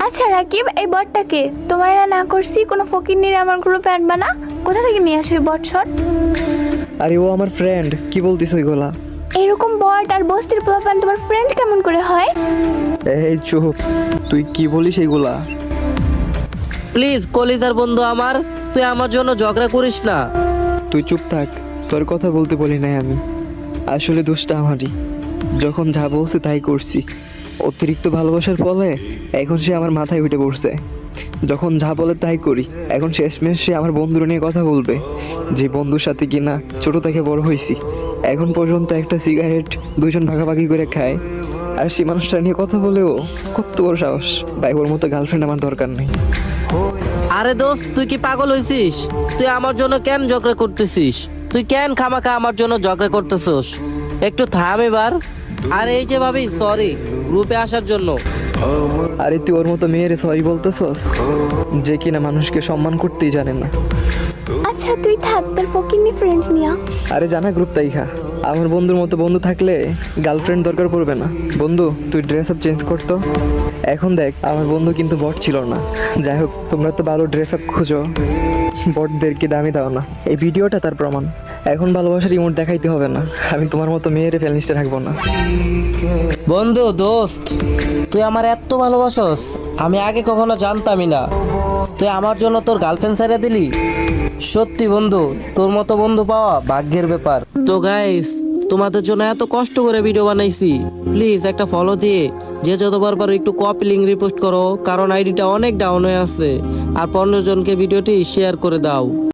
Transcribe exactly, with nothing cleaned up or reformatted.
আচ্ছা রাকিব, এই বটটাকে তোমার না করছি কোনো ফকির নিয়ে আমার গ্রুপে আনবা না? কোথা থেকে নিয়ে আসো এই বট শট? আরে ও আমার ফ্রেন্ড, কি বলতিস ওইগুলা? এরকম বট আর বস্তির পোলাপান তোমার ফ্রেন্ড কেমন করে হয়? এই চুপ, তুই কি বলিস এইগুলা? প্লিজ কলিজার বন্ধু আমার, তুই আমার জন্য ঝগড়া করিস না। তুই চুপ থাক, তোর কথা বলতে বলি নাই আমি। আসলে দোষটা আমারই, যখন যা বলছে তাই করছি। অতিরিক্ত ভালোবাসার ফলে এখন সে আমার মাথায় উঠে পড়ছে। যখন যা বলে তাই করি। এখন শেষমেশ সে আমার বন্ধুর নিয়ে কথা বলবে, যে বন্ধুর সাথে কিনা ছোট থেকে বড় হয়েছি। এখন পর্যন্ত একটা সিগারেট দুজন ভাগাভাগি করে খায়, আর সে মানুষটা নিয়ে কথা বলেও কত বড় সাহস! ভাই, ওর মতো গার্লফ্রেন্ড আমার দরকার নেই। আরে দোস্ত, তুই কি পাগল হয়েছিস? তুই আমার জন্য কেন ঝগড়া করতেছিস? তুই কেন খামাখা আমার জন্য ঝগড়া করতেছিস? একটু থাম এবার। আর এই যে ভাবি, সরি গ্রুপে আসার জন্য। আরে তুই ওর মতো মেয়ের সরি বলতেছস, যে কিনা মানুষকে সম্মান করতেই জানে না। আচ্ছা তুই থাক তোর ফকিরনি ফ্রেন্ড নিয়া। আরে জানা গ্রুপ তাই খা, আমার বন্ধুর মতো বন্ধু থাকলে গার্লফ্রেন্ড দরকার পড়বে না। বন্ধু, তুই ড্রেস আপ চেঞ্জ করতো। এখন দেখ, আমার বন্ধু কিন্তু বট ছিল না। যাই হোক, তোমরা তো ভালো ড্রেস আপ খুঁজো, বটদেরকে দামি দাও না। এই ভিডিওটা তার প্রমাণ। এখন ভালোবাসার ইমোট দেখাইতে হবে না। আমি তোমার মতো মেয়ের ফেলিস্টে রাখবো না। বন্ধু, দোস্ত, তুই আমার এত ভালোবাসস আমি আগে কখনো জানতামই না। তুই আমার জন্য তোর গার্লফ্রেন্ড ছেড়ে দিলি। সত্যি বন্ধু, তোর মতো বন্ধু পাওয়া ভাগ্যের ব্যাপার। তো গাইস, তোমাদের জন্য এত কষ্ট করে ভিডিও বানাইছি, প্লিজ একটা ফলো দিয়ে যে যতবার পারো একটু কপি লিঙ্ক রিপোস্ট করো, কারণ আইডিটা অনেক ডাউন হয়ে আছে। আর পনেরো জনকে ভিডিওটি শেয়ার করে দাও।